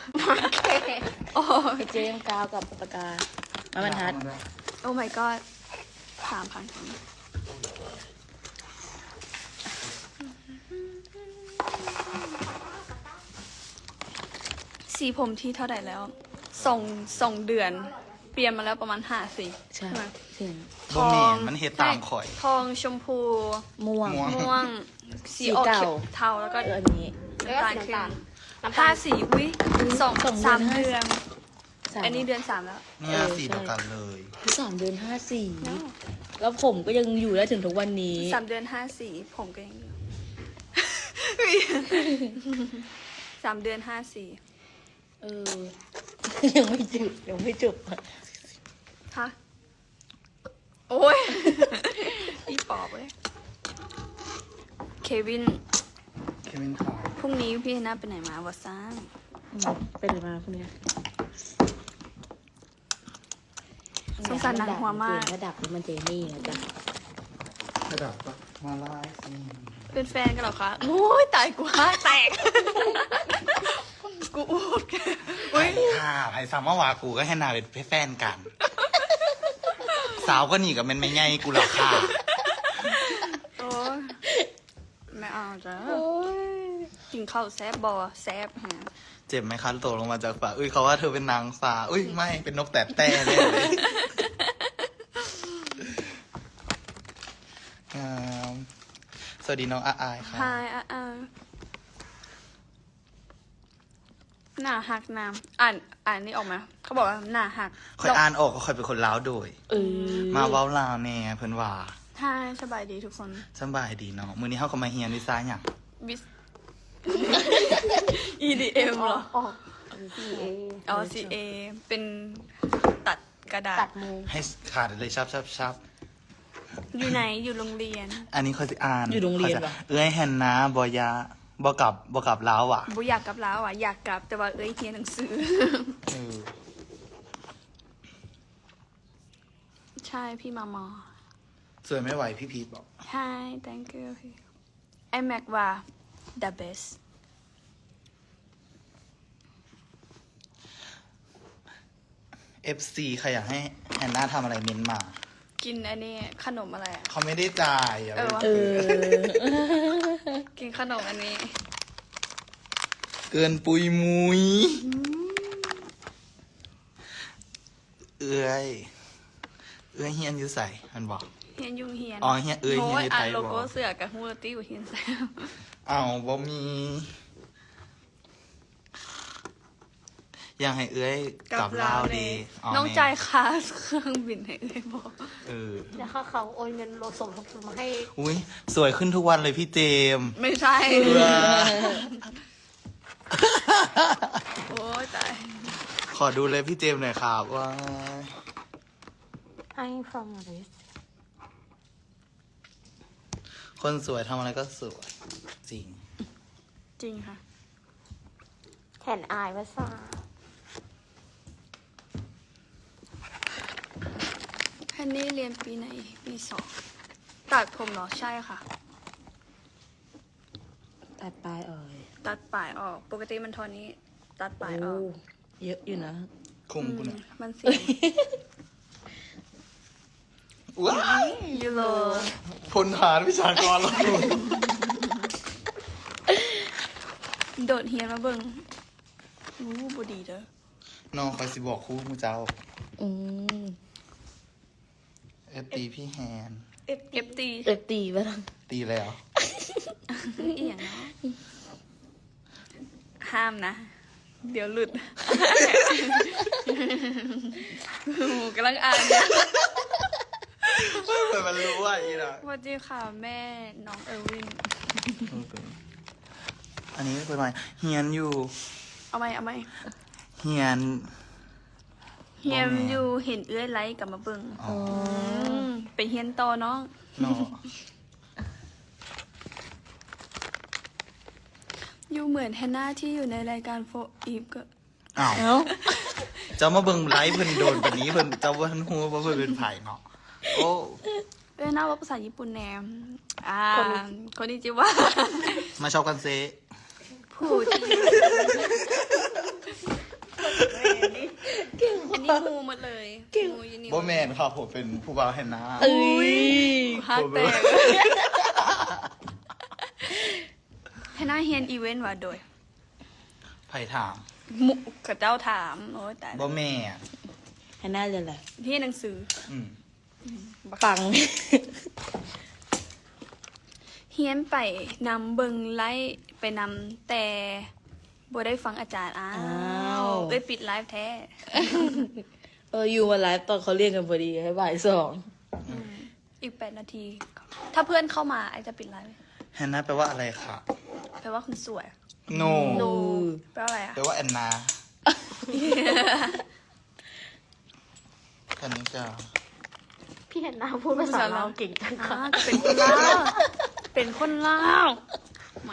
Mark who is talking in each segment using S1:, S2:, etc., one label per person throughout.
S1: โอ้เจมกาวกับปากกามาบรรทัด
S2: โอ้ my god 3,000คนสีผมที่เท่าไหร่แล้วส่งเดือน เปลี่ยนมาแล้วประมาณ5 สี
S1: ใช่เห็น
S3: บ่แม่นมันเฮ็ดตามข่อย
S2: ทองชมพู
S1: ม่วง
S2: ม่วงสีออก
S1: สีเก่า
S2: เทาแล้วก็
S1: อันนี้
S2: น้ำตาลขึ้น5 สีอุ้ย3 เดือน อันนี้เดือน 3 แล้ว
S3: เนี่ยสีเดียวกันเลย
S1: 3 เดือน 5 สีแล้วผมก็ยังอยู่ได้ถึงทุกวันนี้
S2: 3 เดือน 5 สีผมก็ยังอยู่ 3 เดือน 5 สี
S1: ยังไม่จบ
S2: ฮะโอ้ย พี่ปอบเลยเควิน
S3: ขาว
S2: พรุ่งนี้พี่น่าไปไหนมาวะซ่า
S1: เป็นอะไรมาคุณเนี่ย
S2: สงสารหนังหัวมาก
S1: ระดับมันเจนี่นะจ๊ะ
S3: กระดับปะมาลายสิ
S2: เป็นแฟนกันเหรอคะโอ้ยตายกูห้าแตก กูอูด
S3: ไอ้ค่ะไอ้สามเมื่อวานกูก็ให้นาเป็นแฟนกัน สาวก็หนีกับมันไม่ไงกูหรอกค่ะ
S2: โอ้ยไม่เอาจ้ะกินข้าวแซบบอแซบฮะ
S3: เจ็บไหมคะตกลงมาจากฟ้าอุ้ยเขาว่าเธอเป็นนางฟ้าอุ้ยไม่เป็นนกแต่แต่เลยสวัสดีน้องอาอายค่ะ
S2: Hi หน้าหักน้ำอ่านนี่ออกมาเขาบอกว่าหน้าหัก
S3: คอยอ่านออกก็คอยเป็นคนล้าวโดย มาเว้าลาวแน่เพิ่นว่า
S2: ใช่สบายดีทุกคน
S3: สบายดีเนาะมื้อนี้เฮาก็มาเฮียนวิชาหยัง
S2: บิส EDM เหรออ๋อ CA เป็นตัดกระดาษ
S1: ตัดมือ
S3: ให้ขาดเลยชับ
S2: อยู่ไหนอยู่โรงเรียน
S3: อันนี้คอยสิอ่าน
S1: อยู่โรงเรียนเหรอ
S3: เอ้ยแฮนนาบ่ยาบ่กลับลาวอ่ะ
S2: บุอยากกลับแล้วอ่ะอยากกลับแต่ว่าเอ้ยเรียนหนังสือ
S3: เออ
S2: ใช่พี่มามอ
S3: สวยไม่ไหวพี่พีทบอก
S2: Hi thank you พี่ไอแม็กว่า the best
S3: FC ใครอยากให้แฮนนาทำอะไรเม้นมา
S2: กินอันนี้ขนมอะไรอ่ะ
S3: เขาไม่ได้จ่ายอย่าไป
S1: เออ
S2: กินขนมอันนี้
S3: เกินปุยมุยเอ้ยเฮียนอยู่ใส่มันบอก
S2: เฮียนยุ่งเฮียน
S3: อ๋อเฮียเฮียนอยู่ไทย
S2: โล
S3: บอ
S2: โก้
S3: ก
S2: เสือกับฮูลตี้อยู่เฮียนแซม
S3: อ้าวบ่มี อยากให้เอ้ยกลับลาวดีอ๋อ
S2: น้อง
S3: แม่
S2: จ่ายค่าเครื่องบินให้เอ้ยบอก
S3: เออ
S4: แล้วเขาโอนเงินเราส่งทุนมาให้
S3: อุ้ยสวยขึ้นทุกวันเลยพี่เจมส์
S2: ไม่ใช่
S3: เออ
S2: โอ้ยตาย
S3: ขอดูเลยพี่เจมส์หน่อยครับว่า
S4: ให้ from this
S3: คนสวยทำอะไรก็สวยจริง
S2: จริงค่ะ
S4: แขนอายภาษา
S2: แค่นี้เรียนปีไหนปี 2ตัดผมเหรอใช่ค่ะ
S1: ตัดปลายอ่อย
S2: ตัดปลายออก ปกติมันทอนนี้ ตัดปลายออก
S1: เยอะอยู่นะ
S3: คุมกูเนี่ย
S2: มันเสียง
S3: ว้าย
S2: ยูโร
S3: พลฐานวิชากรเรา
S2: โดดเฮียนมาเบิ่งอู้บดีเด้อ
S3: น้องคอยสิบอกครู่มูเจ้า
S1: อืม
S3: ตีพี่แฮน
S2: เอฟตี
S1: ตีไปแล้ว
S3: ตีแล้ว
S2: อีหยังเนาะห้ามนะ เดี๋ยวหลุดหมูกำลังอ่านเนี่ย
S3: เปิดมันรู้ว่าอีน่ะ
S2: สวัสดีค่ะแม่น้องเออร์วิน
S3: อันนี้เป็นไงเฮียนอยู่
S2: เอาไหม
S3: เฮียน
S2: เฮียมอยู่เห็นเอื้อยไลค์กลับมาเบิ่ง
S3: อ๋อ
S2: ไปเฮียนต่อน้อง
S3: เนาะ
S2: อยู่เหมือนแฮนนาที่อยู่ในรายการโฟอีฟก็
S3: อ้าวเจ้ามาเบิ่งไลฟ์เพิ่นโดนแบบนี้เพิ่นเจ้าว่าท่านฮู้ว่าเพิ่นเป็นไผ่เนาะโอ้
S2: เอ้ยน่าว่าภาษาญี่ปุ่นแนมคนนี้จิว่า
S3: มาชอบกันเซ
S2: พูดนี่มูหมดเลยมูยินี่
S3: โบแมนครับผมเป็นผู้บ่าวแฮนนา
S1: เอ้ย
S2: ฮักแตกให้หน้าเฮียนอีเวนต์ว่าโดย
S3: ไผ่ถาม
S2: มุกับเจ้าถามโอ้ยแต่
S3: โบแม่
S1: ให้หน้าเลยแหละ
S2: ที่หนังสือ
S3: อืม
S1: ปัง
S2: เฮียนไปนำเบิงไลฟ์ไปนำแต่บ่ได้ฟังอาจารย์อ้าวเอ้ยปิดไลฟ์แท้
S1: อยู่มาไลฟ์ตอนเขาเรียกกันพอดีให้บ่ายสอง
S2: อีก8 นาที ถ้าเพื่อนเข้ามาไอจะปิดไลฟ์
S3: แฮนนาแปลว่าอะไรคะ
S2: แปลว่าคุณสวย
S3: โน
S2: แปลว่าอะไรอ่ะ
S3: แปลว่าแอนนาคันนี้จะ
S4: พี่เห็นนาพูดภาษาลาวเก่งจัง
S2: อ่า
S4: ค่ะ
S2: จะเป็นคนลาวเป็นคนลาวไม่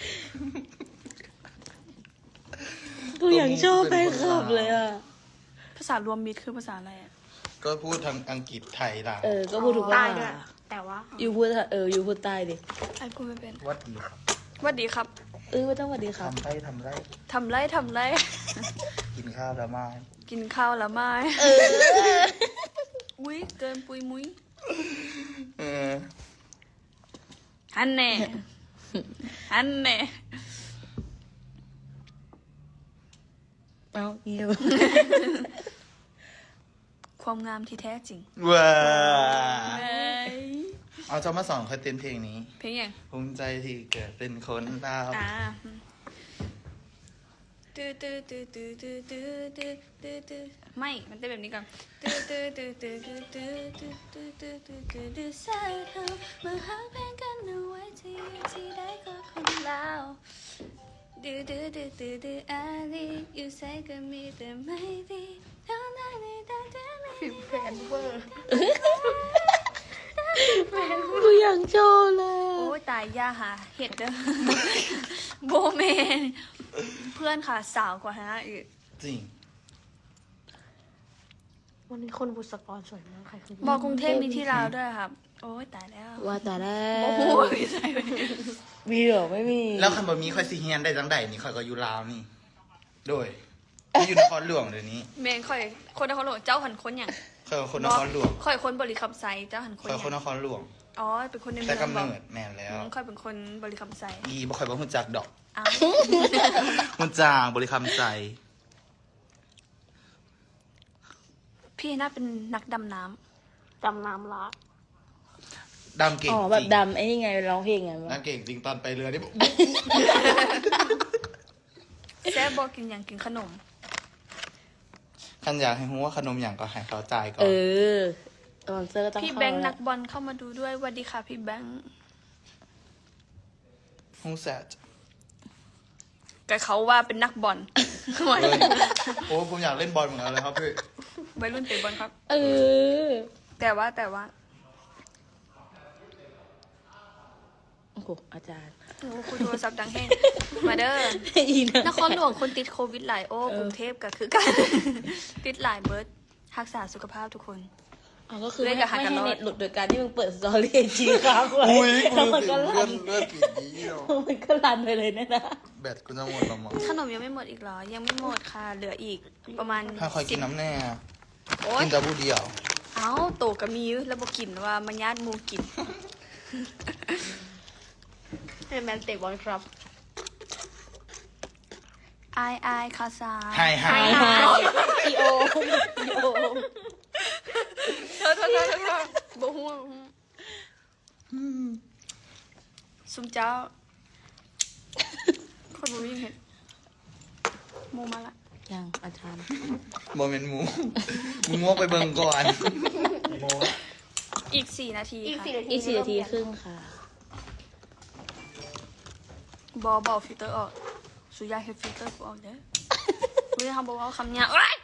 S1: กูยังชอบไปขับเลยอ่ะ
S2: ภาษารวมมิตรคือภาษาอะไรอ่ะ
S3: ก็พูดทางอังกฤษไทยล่ะ
S1: ก็พูดถูก
S4: ใต้
S1: ว่า
S4: ด้วยแต่ว่า
S1: อยู่พูดอยู่พูดใต้ดิ
S2: ไอ้กูไม่เป็น
S3: วัดดีครับ
S2: หวัดดีครับ
S1: ไม่ต้องสวัสดีครับ
S3: ทำไรทำไร
S2: ทำไรทำไร
S3: กินข้าวแล้วไหม
S2: กินข้าวแล้วไหมอุ้ยเกินปุยมุ้ย
S3: เออ
S2: ฮันแน่ฮันแน่
S1: เอาเงียบ
S2: ความงามที่แท้จริง
S3: ว้า
S2: เอ้ย
S3: เอาจะมาสอนเขาเต้นเพลงนี้
S2: เพลงยัง
S3: ภูมิใจที่เกิดเป็นคนลาว
S2: อ่าตื้อตื้อตื้อตื้อตื้อตื้อตื้อตื้อตื้อไม่ มันเต้นแบบนี้ก่อนตื้อตื้อตื้อตื้อตื้อตื้อตื้อตื้อตื้อตื้อตื้อตื้อใส่เขามาหักเพลงกันเอาไว้ที่ได้ก็คนลาวตื้อตื้อตื้อตื้อตื้ออะไรอยู่ใส่ก็มีแต่ไม่ดีเท่านั้นในตาเธอไม่
S4: แฟนเวอร์
S1: กูยังชอบเลย
S2: โอ้ยตายย่าหาเห็ดเด้อ โบเมนเพื่อนค่ะสาวกว่าฮะอีก
S3: จริง
S4: วันนี้คนบุษกรสวยมากใครคือ
S2: บอกกรุงเทพมีที่ลาวด้วยครับ โอ้ยตายแล้ว
S1: ว่าแต่แล้
S2: โอ้
S1: ว
S2: โหใช่ไหม
S1: มีเหรอไม่มี
S3: แล้วคันบะมีค่อยซีเฮียนได้จังใดนี่ค่อยก็อยู่ลาวนี่ โดยที่อยู่นครหลวงเดี๋ยวนี้
S2: เมนค่อยคนนครหลวงเจ้าหันคนอย่าง
S3: ค่อยคนนครหลวง
S2: ค่อยคนบริคำไซเจ้าหันคน
S3: ค่อย
S2: อ
S3: คนน
S2: ย่าง
S3: ครหลวง
S2: อ๋อเป็นคนในเมื
S3: แต่
S2: อง
S3: กำ
S2: บอก
S3: เนิดแม่นแล้ว
S2: ค่อยเป็นคนบริคำไซ
S3: อีบ่ค่อยบ่ฮู้จักดอก
S2: อ้าว
S3: ฮู้จางบริคำใจ
S2: พี่น่าเป็นนักดำน้
S4: จำน้ำละ
S3: ดำเก่ง
S1: อ๋อ
S3: จ
S1: แบบ
S3: ริง
S1: ดำไอ้นี่ไงร้องเพลงไง
S3: ดำเก่งจริงตอนไปเรือนี่
S2: ำแซ่บบอกกินอย่างกินขนม
S3: คันอยากให้ฮู้ว่าขนมอย่างก็ให้เขาจ่ายก่อน
S1: สปอนเซอร์ก็ต้อง
S2: พี่
S1: เข้า
S2: แบงค์
S1: แล้
S2: นั
S1: ว
S2: กบอลเข้ามาดูด้วยสวัสดีค่ะพี่แบงค์
S3: ฮู้แซด
S2: กับเขาว่าเป็นนักบอล
S3: เฮ้ยโอ้ผมอยากเล่นบอลเหมือนกันเลยครับพี่
S2: วัยรุ่นเตะบอลครับ แต่ว่า
S1: โอ้โหอาจารย์
S2: โอ้คุยโทรศัพท์ดังแห้งมาเด้อ
S1: อีนะ
S2: นครหลวงคนติดโควิดหลายโอ้กรุงเทพก็คือกัน ติดหลายเบิร์ดรักษาสุขภาพทุกคน
S1: ก็คือ
S2: เล่
S1: ไม่
S2: นกับหัก
S1: ให้
S2: กันรอด
S1: เน็ตหลุดโดยการที่มึงเปิดสตอรี่ไอจีค้างไว้
S3: อุ้ย
S1: แล้วมัน
S3: กู
S1: ก็
S3: รู้สึก
S1: รัน
S3: เลื่อนผิดนี้เนาะ
S1: มันก็รันไปเลยนะ
S3: แบตกูจะหมดแล้วมั้ง
S2: ขนมยังไม่หมดอีกเหรอ ยังไม่หมดค่ะ เหลืออีกประมาณ
S3: ถ้าคอยกินน้ำแน่
S2: โอ๊ย
S3: กินแต่บูเดียว
S2: เอ้าโตกับมีแล้วบอกกินว่ามันญาติหมูกิน
S4: ให้แมนเตะบอลครับ
S2: อายคาซา
S3: ไฮไฮ
S1: อีโออีโอ
S2: เธอบ่ฮู้ซุมเจ้าคนบ่มีเห็นหมูมาละ
S1: ยังอาจารย์
S3: โมเมนต์หมูมึงงวกไปเบิ่งก่อน
S2: อีก4 นาที
S4: อีก
S2: ค่ะ
S4: 4 นาที
S1: อีก4 นาทีครึ่งค่ะ
S2: บอฟิลเตอร์ออกสุยาเฮดฟิลเตอร์กูออกเด้อไม่ได้ทำบอกว่าคำเนี้ยโอ๊ย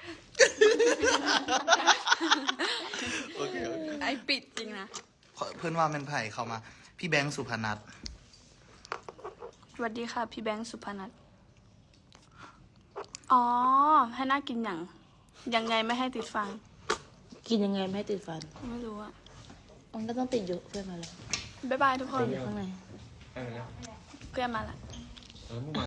S3: โอเคโอเค
S2: ไอปิดจริงนะ
S3: เพื่อนว่าเป็นไผ่เข้ามา พี่แบงค์สุพนัท
S2: สวัสดีค่ะพี่แบงค์สุพนัทอ๋อ ให้น่ากินอย่างยังไงไม่ให้ติดฟัน
S1: กินยังไงไม่ให้ติดฟัน
S2: ไม่รู้อะ
S1: มันก็ต้องติดอยู่เพื่อนมาเลย
S2: บ๊ายบายทุกคน
S1: ติดอยู่ข้างใน
S2: เพื่อนมาละ